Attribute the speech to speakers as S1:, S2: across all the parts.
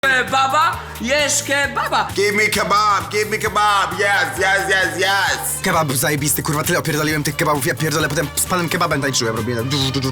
S1: Baba, jesz kebaba.
S2: Give me kebab, yes.
S3: Kebab zajebisty, kurwa, tyle opierdoliłem tych kebabów, ja pierdolę, potem z panem kebabem tańczyłem, robiłem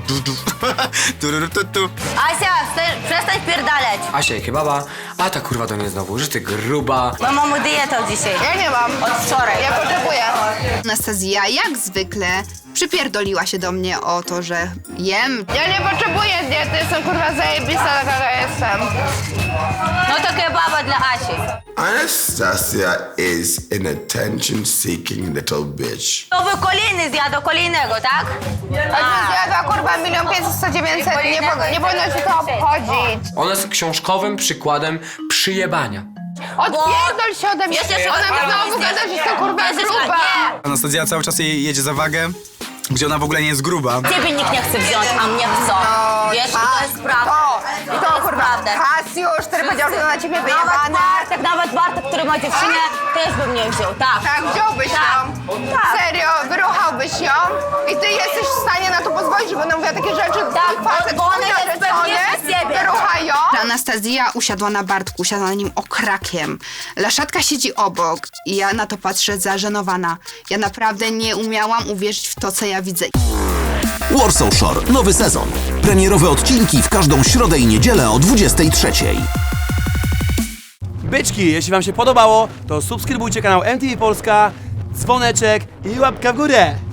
S4: Asia, przestań pierdaleć.
S1: Asia i kebaba, a ta kurwa do mnie znowu, że ty gruba.
S4: Bo mam dietę od dzisiaj.
S5: Ja nie mam.
S4: Od wczoraj.
S5: Ja potrzebuję.
S6: Anastazja jak zwykle przypierdoliła się do mnie o to, że jem.
S5: Ja nie potrzebuję diety, jestem kurwa zajebista, taka jaka jestem.
S4: No to kebaba dla Asi.
S2: Anastasia is an attention-seeking little bitch.
S4: To wy kolejny zjadł kolejnego, tak?
S5: A zjadła kurwa 1 500 900, nie powinno ci to obchodzić.
S1: Ona jest książkowym przykładem przyjebania.
S5: Odpierdol się ode mnie,
S4: Jeszcze się
S5: ona mi znowu
S4: odpierdol.
S5: gada, że jestem kurwa
S4: Jeszcze się-
S5: gruba.
S4: nie.
S3: Anastazja cały czas jej jedzie za wagę, gdzie ona w ogóle nie jest gruba.
S4: Ciebie nikt nie chce wziąć, a mnie chcą. Wiesz, i to jest prawda.
S5: I to kurwa Kasiusz, który powiedział, że na ciebie
S4: Nawet
S5: wyjebane.
S4: Nawet Bartek, który ma dziewczynę, też bym nie wziął, tak.
S5: Tak, wziąłbyś ją.
S4: Tak.
S5: Serio, wyruchałbyś ją i ty jesteś w stanie na to pozwolić, bo ona mówiła takie rzeczy,
S4: Tak,
S5: facet
S4: bo ona
S5: wspólnie
S4: jest
S5: narzeczony,
S4: pewniejsza siebie.
S5: wyruchaj ją.
S6: Anastazja usiadła na Bartku, usiadła na nim okrakiem. Laszatka siedzi obok i ja na to patrzę zażenowana. Ja naprawdę nie umiałam uwierzyć w to, co ja widzę.
S7: Warsaw Shore, nowy sezon. Premierowe odcinki w każdą środę i niedzielę o 23:00.
S8: Byczki, jeśli wam się podobało, to subskrybujcie kanał MTV Polska, dzwoneczek i łapka w górę.